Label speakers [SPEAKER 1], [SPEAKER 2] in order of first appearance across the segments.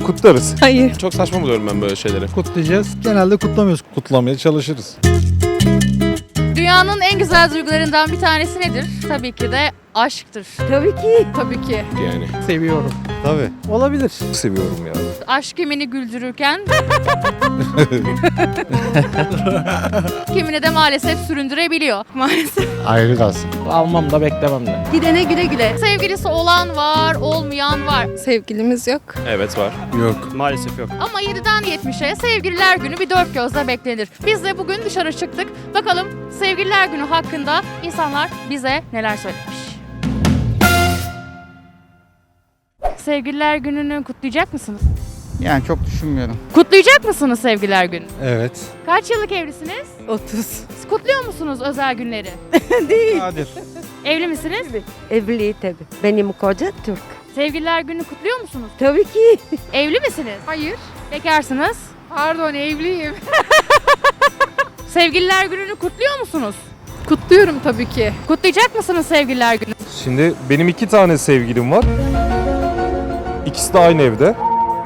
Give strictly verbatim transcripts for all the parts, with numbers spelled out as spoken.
[SPEAKER 1] Kutlarız.
[SPEAKER 2] Hayır.
[SPEAKER 3] Çok saçma buluyorum ben böyle şeyleri.
[SPEAKER 4] Kutlayacağız. Genelde kutlamıyoruz. Kutlamaya çalışırız.
[SPEAKER 5] Dünyanın en güzel duygularından bir tanesi nedir? Tabii ki de aşktır.
[SPEAKER 2] Tabii ki.
[SPEAKER 5] Tabii ki.
[SPEAKER 3] Yani.
[SPEAKER 4] Seviyorum. Tabii. Olabilir. Seviyorum ya.
[SPEAKER 5] Aşk kimini güldürürken kimini de maalesef süründürebiliyor. Maalesef.
[SPEAKER 6] Ayrı kalsın.
[SPEAKER 4] Almam da beklemem de.
[SPEAKER 2] Gidene güle güle.
[SPEAKER 5] Sevgilisi olan var, olmayan var.
[SPEAKER 2] Sevgilimiz yok.
[SPEAKER 3] Evet var.
[SPEAKER 4] Yok.
[SPEAKER 3] Maalesef yok.
[SPEAKER 5] Ama yediden yetmişe sevgililer günü bir dört gözle beklenir. Biz de bugün dışarı çıktık. Bakalım sevgililer günü hakkında insanlar bize neler söylemiş. Sevgililer gününü kutlayacak mısınız?
[SPEAKER 6] Yani çok düşünmüyorum.
[SPEAKER 5] Kutlayacak mısınız sevgililer günü?
[SPEAKER 4] Evet.
[SPEAKER 5] Kaç yıllık evlisiniz?
[SPEAKER 2] otuz.
[SPEAKER 5] Siz kutluyor musunuz özel günleri?
[SPEAKER 2] Değil.
[SPEAKER 4] Nadir.
[SPEAKER 5] Evli misiniz?
[SPEAKER 2] Evli tabii. Benim koca Türk.
[SPEAKER 5] Sevgililer günü kutluyor musunuz?
[SPEAKER 2] Tabii ki.
[SPEAKER 5] Evli misiniz?
[SPEAKER 7] Hayır.
[SPEAKER 5] Bekarsınız.
[SPEAKER 7] Pardon, evliyim.
[SPEAKER 5] Sevgililer gününü kutluyor musunuz?
[SPEAKER 7] Kutluyorum tabii ki.
[SPEAKER 5] Kutlayacak mısınız sevgililer günü?
[SPEAKER 1] Şimdi benim iki tane sevgilim var. İkisi de aynı evde.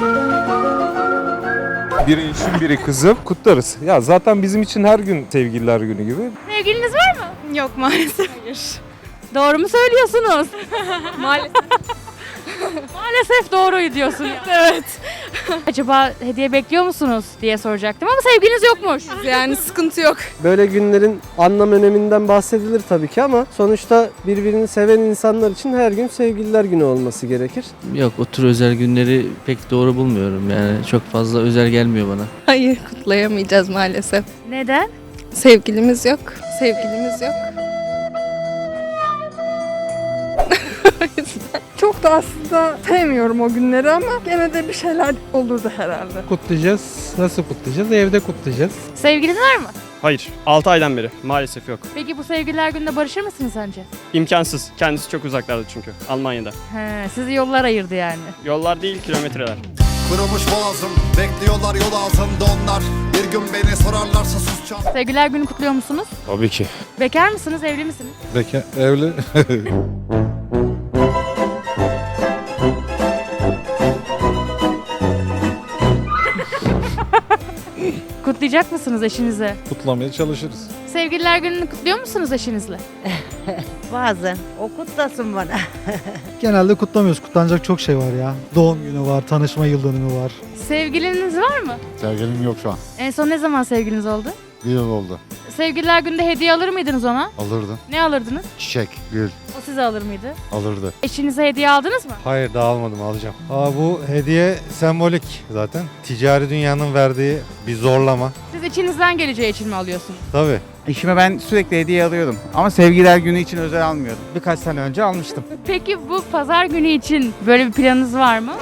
[SPEAKER 1] Biri eşim, biri kızım. Kutlarız. Ya zaten bizim için her gün sevgililer günü gibi.
[SPEAKER 5] Sevgiliniz var mı?
[SPEAKER 7] Yok maalesef.
[SPEAKER 5] Doğru mu söylüyorsunuz? Maalesef. Maalesef doğruyu diyorsun ya.
[SPEAKER 7] Evet.
[SPEAKER 5] Acaba hediye bekliyor musunuz diye soracaktım ama sevgiliniz yokmuş.
[SPEAKER 7] Yani sıkıntı yok.
[SPEAKER 8] Böyle günlerin anlam öneminden bahsedilir tabii ki ama sonuçta birbirini seven insanlar için her gün sevgililer günü olması gerekir.
[SPEAKER 9] Yok, o tür özel günleri pek doğru bulmuyorum, yani çok fazla özel gelmiyor bana.
[SPEAKER 7] Hayır, kutlayamayacağız maalesef.
[SPEAKER 5] Neden?
[SPEAKER 7] Sevgilimiz yok. Sevgilimiz yok. Çok da aslında sevmiyorum o günleri ama gene de bir şeyler olurdu herhalde.
[SPEAKER 4] Kutlayacağız. Nasıl kutlayacağız? Evde kutlayacağız.
[SPEAKER 5] Sevgiliniz var mı?
[SPEAKER 10] Hayır. altı aydan beri. Maalesef yok.
[SPEAKER 5] Peki bu sevgililer gününde barışır mısınız sence?
[SPEAKER 10] İmkansız. Kendisi çok uzaklarda çünkü. Almanya'da.
[SPEAKER 5] He, sizi yollar ayırdı yani.
[SPEAKER 10] Yollar değil, kilometreler.
[SPEAKER 11] Kurumuş boğazım, bekliyorlar yol ağzında onlar. Bir gün beni sorarlarsa susacağım.
[SPEAKER 5] Sevgililer günü kutluyor musunuz?
[SPEAKER 3] Tabii ki.
[SPEAKER 5] Bekar mısınız, evli misiniz?
[SPEAKER 4] Beka evli.
[SPEAKER 5] Kutlayacak mısınız eşinize?
[SPEAKER 4] Kutlamaya çalışırız.
[SPEAKER 5] Sevgililer gününü kutluyor musunuz eşinizle?
[SPEAKER 2] Bazen. O kutlasın bana.
[SPEAKER 4] Genelde kutlamıyoruz. Kutlanacak çok şey var ya. Doğum günü var, tanışma yıl dönümü var.
[SPEAKER 5] Sevgiliniz var mı?
[SPEAKER 6] Sevgilim yok şu an.
[SPEAKER 5] En son ne zaman sevgiliniz oldu?
[SPEAKER 6] Bir yıl oldu.
[SPEAKER 5] Sevgililer gününde hediye alır mıydınız ona?
[SPEAKER 6] Alırdı.
[SPEAKER 5] Ne alırdınız?
[SPEAKER 6] Çiçek, gül
[SPEAKER 5] O size alır mıydı?
[SPEAKER 6] alırdı.
[SPEAKER 5] Eşinize hediye aldınız mı?
[SPEAKER 4] Hayır daha almadım, alacağım. Aa, bu hediye sembolik zaten. Ticari dünyanın verdiği bir zorlama.
[SPEAKER 5] Siz içinizden geleceği için mi alıyorsunuz?
[SPEAKER 4] Tabii.
[SPEAKER 6] Eşime ben sürekli hediye alıyordum. Ama sevgiler günü için özel almıyordum. Birkaç sene önce almıştım.
[SPEAKER 5] Peki bu pazar günü için böyle bir planınız var mı?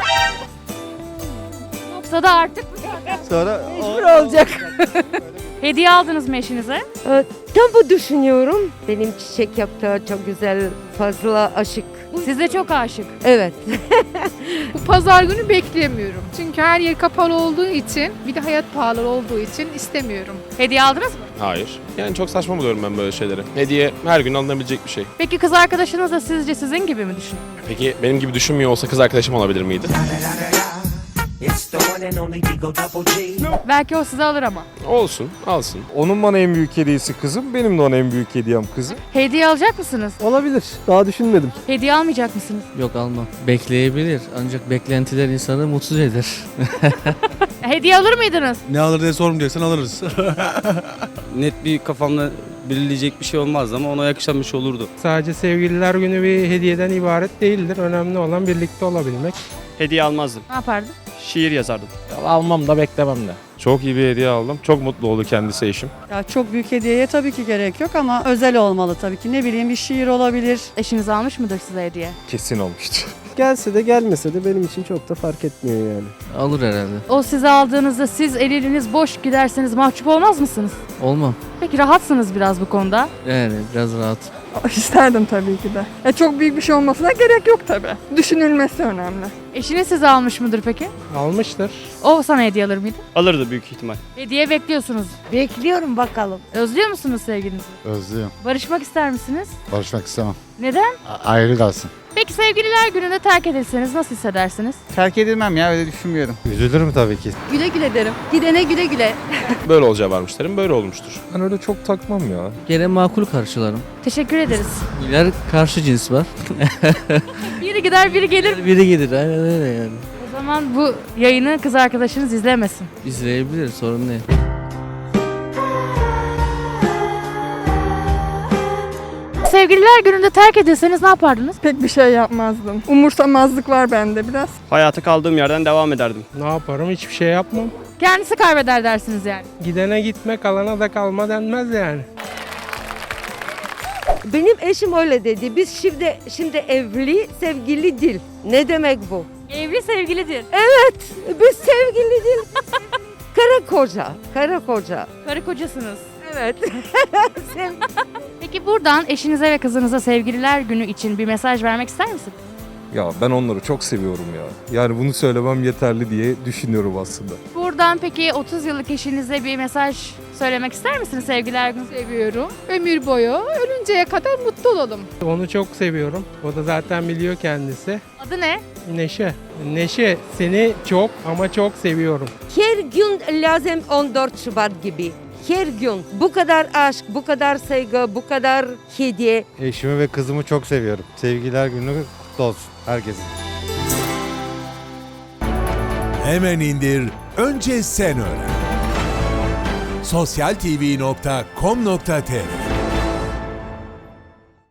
[SPEAKER 5] Yoksa da artık
[SPEAKER 6] Sonra
[SPEAKER 2] Mecbur olacak.
[SPEAKER 5] hediye aldınız mı eşinize?
[SPEAKER 2] Tam bu düşünüyorum. Benim çiçek yaptığı çok güzel, fazla aşık.
[SPEAKER 5] Size çok aşık.
[SPEAKER 2] Evet.
[SPEAKER 7] Bu pazar günü beklemiyorum. Çünkü her yer kapalı olduğu için, bir de hayat pahalı olduğu için istemiyorum.
[SPEAKER 5] Hediye aldınız mı?
[SPEAKER 3] Hayır. Yani çok saçma buluyorum ben böyle şeyleri. Hediye her gün alınabilecek bir şey.
[SPEAKER 5] Peki kız arkadaşınız da sizce sizin gibi mi düşünüyor?
[SPEAKER 3] Peki benim gibi düşünmüyor olsa kız arkadaşım olabilir miydi?
[SPEAKER 5] Belki o size alır ama.
[SPEAKER 3] Olsun, alsın.
[SPEAKER 1] Onun bana en büyük hediyesi kızım. Benim de ona en büyük hediyem kızım.
[SPEAKER 5] Hediye alacak mısınız?
[SPEAKER 8] Olabilir. Daha düşünmedim.
[SPEAKER 5] Hediye almayacak mısınız?
[SPEAKER 9] Yok, almam. Bekleyebilir, ancak beklentiler insanı mutsuz eder.
[SPEAKER 5] Hediye alır mıydınız?
[SPEAKER 4] Ne alır diye sormayacaksan alırız.
[SPEAKER 10] Net bir kafamda belirleyecek bir şey olmazdı ama ona yakışan bir şey olurdu.
[SPEAKER 4] Sadece sevgililer günü bir hediyeden ibaret değildir. Önemli olan birlikte olabilmek.
[SPEAKER 10] Hediye almazdım.
[SPEAKER 5] Ne yapardın?
[SPEAKER 10] Şiir yazardım.
[SPEAKER 4] Almam da beklemem de.
[SPEAKER 1] Çok iyi bir hediye aldım. Çok mutlu oldu kendisi eşim.
[SPEAKER 7] Ya çok büyük hediyeye tabii ki gerek yok ama özel olmalı tabii ki. Ne bileyim bir şiir olabilir.
[SPEAKER 5] Eşiniz almış mıdır size hediye?
[SPEAKER 1] Kesin olmuştu.
[SPEAKER 8] Gelse de gelmese de benim için çok da fark etmiyor yani.
[SPEAKER 9] Alır herhalde.
[SPEAKER 5] O size aldığınızda siz eliniz boş giderseniz mahcup olmaz mısınız?
[SPEAKER 9] Olmam.
[SPEAKER 5] Peki rahatsınız biraz bu konuda.
[SPEAKER 9] Yani biraz rahat.
[SPEAKER 7] İsterdim tabii ki de. Ya çok büyük bir şey olmasına gerek yok tabii. Düşünülmesi önemli.
[SPEAKER 5] Eşiniz size almış mıdır peki?
[SPEAKER 4] Almıştır.
[SPEAKER 5] O sana hediye alır mıydı?
[SPEAKER 10] Alırdı büyük ihtimal.
[SPEAKER 5] Hediye bekliyorsunuz.
[SPEAKER 2] Bekliyorum bakalım.
[SPEAKER 5] Özlüyor musunuz sevgilinizi?
[SPEAKER 6] özlüyorum.
[SPEAKER 5] Barışmak ister misiniz?
[SPEAKER 6] Barışmak istemem.
[SPEAKER 5] Neden?
[SPEAKER 6] A- ayrı kalsın.
[SPEAKER 5] Peki sevgililer gününde terk edilseniz nasıl hissedersiniz?
[SPEAKER 6] Terk edilmem ya, öyle düşünmüyorum.
[SPEAKER 4] Üzülürüm tabii ki.
[SPEAKER 5] Güle güle derim. Gidene güle güle.
[SPEAKER 3] Böyle olacağı varmış derim, böyle olmuştur.
[SPEAKER 1] Ben öyle çok takmam ya.
[SPEAKER 9] Gene makul karşılarım.
[SPEAKER 5] Teşekkür ederiz.
[SPEAKER 9] İler karşı cins var.
[SPEAKER 5] Biri gider biri gelir.
[SPEAKER 9] Biri gelir aynen öyle yani.
[SPEAKER 5] O zaman bu yayını kız arkadaşınız izlemesin.
[SPEAKER 9] İzleyebilir sorun değil.
[SPEAKER 5] Sevgililer gününde terk edilseniz ne yapardınız?
[SPEAKER 7] Pek bir şey yapmazdım. Umursamazlık var bende biraz.
[SPEAKER 10] Hayata kaldığım yerden devam ederdim.
[SPEAKER 12] Ne yaparım? Hiçbir şey yapmam.
[SPEAKER 5] Kendisi kaybeder dersiniz yani.
[SPEAKER 12] Gidene gitme, kalana da kalma denmez yani.
[SPEAKER 2] Benim eşim öyle dedi. Biz şimdi şimdi evli, sevgili değil. Ne demek bu?
[SPEAKER 5] Evli sevgilidir.
[SPEAKER 2] Evet, biz sevgili değil. Kara koca, kara koca.
[SPEAKER 5] Karı kocasınız.
[SPEAKER 2] Evet. Sev-
[SPEAKER 5] Peki buradan eşinize ve kızınıza sevgililer günü için bir mesaj vermek ister misin?
[SPEAKER 1] Ya ben onları çok seviyorum ya. Yani bunu söylemem yeterli diye düşünüyorum aslında.
[SPEAKER 5] Buradan peki otuz yıllık eşinize bir mesaj söylemek ister misiniz sevgililer günü?
[SPEAKER 7] Seviyorum. Ömür boyu ölünceye kadar mutlu olalım.
[SPEAKER 12] Onu çok seviyorum. O da zaten biliyor kendisi.
[SPEAKER 5] Adı ne?
[SPEAKER 12] Neşe. Neşe, seni çok ama çok seviyorum.
[SPEAKER 2] Her gün lazım on dört Şubat gibi. Her gün bu kadar aşk, bu kadar saygı, bu kadar hediye.
[SPEAKER 4] Eşimi ve kızımı çok seviyorum. Sevgiler günü kutlu olsun herkesin.
[SPEAKER 11] Hemen indir, önce sen öğren. sosyal tv nokta com nokta tr